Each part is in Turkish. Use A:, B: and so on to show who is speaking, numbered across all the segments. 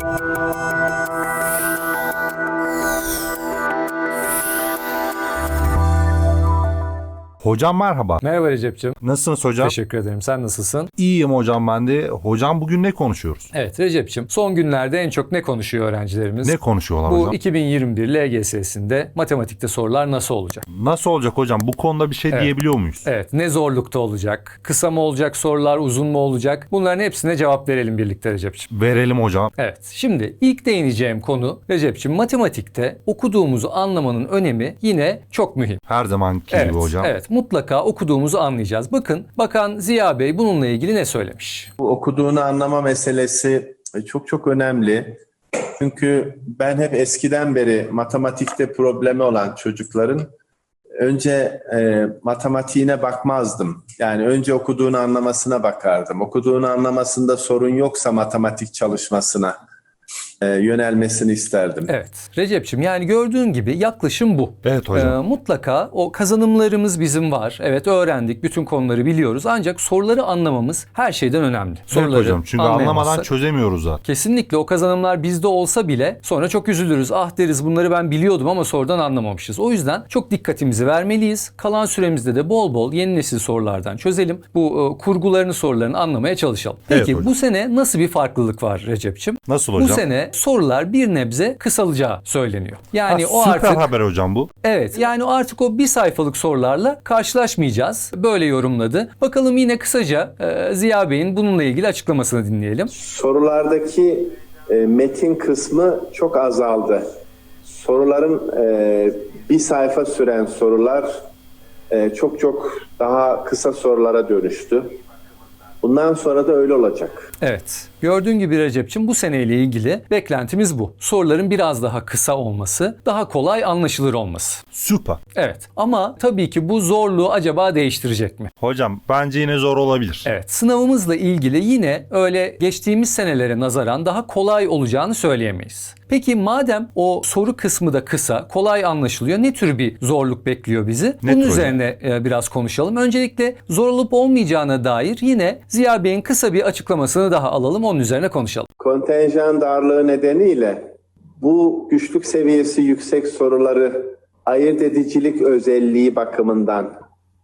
A: Hocam merhaba.
B: Merhaba Recep'ciğim.
A: Nasılsınız hocam?
B: Teşekkür ederim. Sen nasılsın?
A: İyiyim hocam ben de. Hocam bugün ne konuşuyoruz?
B: Evet Recep'ciğim, son günlerde en çok ne konuşuyor öğrencilerimiz?
A: Ne konuşuyorlar
B: Bu
A: hocam?
B: 2021 LGS'sinde matematikte sorular nasıl olacak?
A: Nasıl olacak hocam? Bu konuda bir şey diyebiliyor muyuz?
B: Evet, ne zorlukta olacak? Kısa mı olacak sorular, uzun mu olacak? Bunların hepsine cevap verelim birlikte Recep'ciğim.
A: Verelim hocam.
B: Evet, şimdi ilk değineceğim konu Recep'ciğim, matematikte okuduğumuzu anlamanın önemi yine çok mühim.
A: Her zamanki gibi hocam.
B: Evet, mutlaka okuduğumuzu anlayacağız. Bakın, Bakan Ziya Bey bununla ilgili ne söylemiş?
C: Bu okuduğunu anlama meselesi çok önemli. Çünkü ben hep eskiden beri matematikte problemi olan çocukların önce matematiğine bakmazdım. Yani önce okuduğunu anlamasına bakardım. Okuduğunu anlamasında sorun yoksa matematik çalışmasına yönelmesini isterdim.
B: Evet Recep'ciğim, yani gördüğün gibi yaklaşım bu.
A: Evet hocam.
B: Mutlaka o kazanımlarımız bizim var. Evet, öğrendik, bütün konuları biliyoruz. Ancak soruları anlamamız her şeyden önemli.
A: Evet hocam, çünkü anlamadan
B: anlayamazsak-
A: çözemiyoruz zaten.
B: Kesinlikle o kazanımlar bizde olsa bile sonra çok üzülürüz. Ah deriz, bunları ben biliyordum ama sorudan anlamamışız. O yüzden çok dikkatimizi vermeliyiz. Kalan süremizde de bol bol yeni nesil sorulardan çözelim. Bu kurgularını, sorularını anlamaya çalışalım.
A: Evet
B: Peki
A: hocam.
B: bu sene nasıl bir farklılık var Recep'ciğim?
A: Nasıl
B: Bu
A: hocam?
B: sene sorular bir nebze kısalacağı söyleniyor. Yani o
A: süper
B: artık
A: haber hocam bu.
B: evet, yani artık o bir sayfalık sorularla karşılaşmayacağız. Böyle yorumladı. Bakalım yine kısaca Ziya Bey'in bununla ilgili açıklamasını dinleyelim.
C: Sorulardaki metin kısmı çok azaldı. Soruların bir sayfa süren sorular çok daha kısa sorulara dönüştü. Bundan sonra da öyle olacak.
B: Evet. Gördüğün gibi Recep'ciğim, bu seneyle ilgili beklentimiz bu. Soruların biraz daha kısa olması, daha kolay anlaşılır olması.
A: Süper.
B: Evet. Ama tabii ki bu zorluğu acaba değiştirecek mi?
A: Hocam bence yine zor olabilir.
B: Evet. Sınavımızla ilgili yine öyle geçtiğimiz senelere nazaran daha kolay olacağını söyleyemeyiz. Peki madem o soru kısmı da kısa, kolay anlaşılıyor, ne tür bir zorluk bekliyor bizi? Bunun
A: hocam?
B: üzerine biraz konuşalım. Öncelikle zor olup olmayacağına dair yine Ziya Bey'in kısa bir açıklamasını daha alalım, onun üzerine konuşalım.
C: Kontenjan darlığı nedeniyle bu güçlük seviyesi yüksek soruları ayırt edicilik özelliği bakımından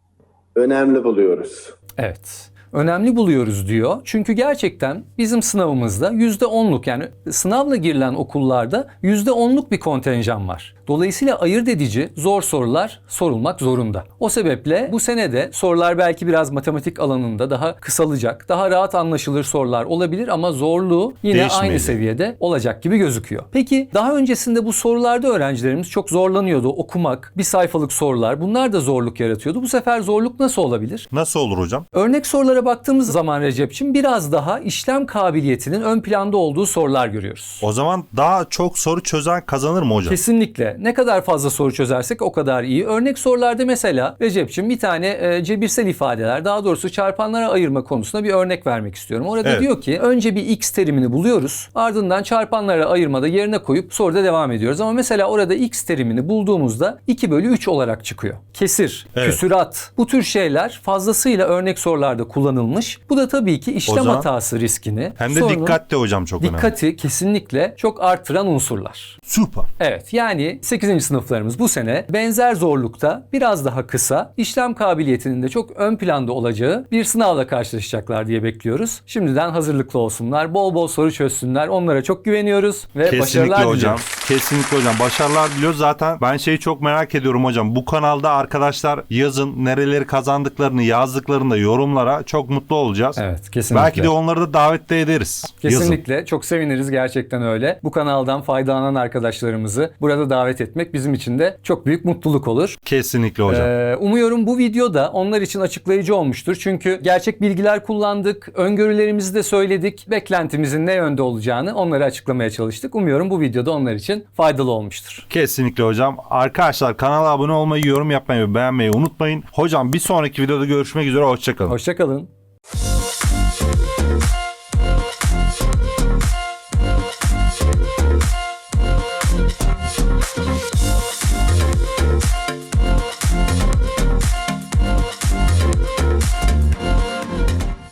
C: önemli buluyoruz.
B: Evet. Önemli buluyoruz diyor. Çünkü gerçekten bizim sınavımızda %10'luk, yani sınavla girilen okullarda %10'luk bir kontenjan var. Dolayısıyla ayırt edici zor sorular sorulmak zorunda. O sebeple bu sene de sorular belki biraz matematik alanında daha kısalacak, daha rahat anlaşılır sorular olabilir ama zorluğu yine aynı
A: Değişmeyecek.
B: seviyede olacak gibi gözüküyor. Peki daha öncesinde bu sorularda öğrencilerimiz çok zorlanıyordu. Okumak, bir sayfalık sorular, bunlar da zorluk yaratıyordu. Bu sefer zorluk nasıl olabilir?
A: Nasıl olur hocam?
B: Örnek sorulara baktığımız zaman Recep'ciğim, biraz daha işlem kabiliyetinin ön planda olduğu sorular görüyoruz.
A: O zaman daha çok soru çözen kazanır mı hocam?
B: Kesinlikle. Ne kadar fazla soru çözersek o kadar iyi. Örnek sorularda mesela Recep'ciğim bir tane cebirsel ifadeler, daha doğrusu çarpanlara ayırma konusunda bir örnek vermek istiyorum. Orada
A: Evet.
B: diyor ki önce bir x terimini buluyoruz. Ardından çarpanlara ayırmada yerine koyup soruda devam ediyoruz. Ama mesela orada x terimini bulduğumuzda 2/3 olarak çıkıyor. Kesir,
A: Evet.
B: küsurat, bu tür şeyler fazlasıyla örnek sorularda kullanılmış. Bu da tabii ki işlem
A: zaman
B: hatası riskini,
A: Hem de
B: sorunun
A: dikkatli hocam, çok önemli.
B: dikkati kesinlikle çok artıran unsurlar.
A: Süper.
B: Evet, yani 8. sınıflarımız bu sene benzer zorlukta biraz daha kısa, işlem kabiliyetinin de çok ön planda olacağı bir sınavla karşılaşacaklar diye bekliyoruz. Şimdiden hazırlıklı olsunlar, bol bol soru çözsünler. Onlara çok güveniyoruz ve
A: Kesinlikle
B: başarılar
A: hocam.
B: diliyoruz.
A: Kesinlikle hocam. Başarılar diliyoruz. Zaten ben şeyi çok merak ediyorum hocam. Bu kanalda arkadaşlar yazın nereleri kazandıklarını yazdıklarında yorumlara çok mutlu olacağız.
B: Evet, kesinlikle.
A: Belki de onları da davet de ederiz. Yazın.
B: Kesinlikle. Çok seviniriz, gerçekten öyle. Bu kanaldan faydalanan arkadaşlarımızı burada davet etmek bizim için de çok büyük mutluluk olur.
A: Kesinlikle hocam.
B: Umuyorum bu video da onlar için açıklayıcı olmuştur. Çünkü gerçek bilgiler kullandık, öngörülerimizi de söyledik, beklentimizin ne yönde olacağını onlara açıklamaya çalıştık. Umuyorum bu videoda onlar için faydalı olmuştur.
A: Kesinlikle hocam. Arkadaşlar kanala abone olmayı, yorum yapmayı ve beğenmeyi unutmayın. Hocam bir sonraki videoda görüşmek üzere. Hoşçakalın.
B: Hoşça kalın.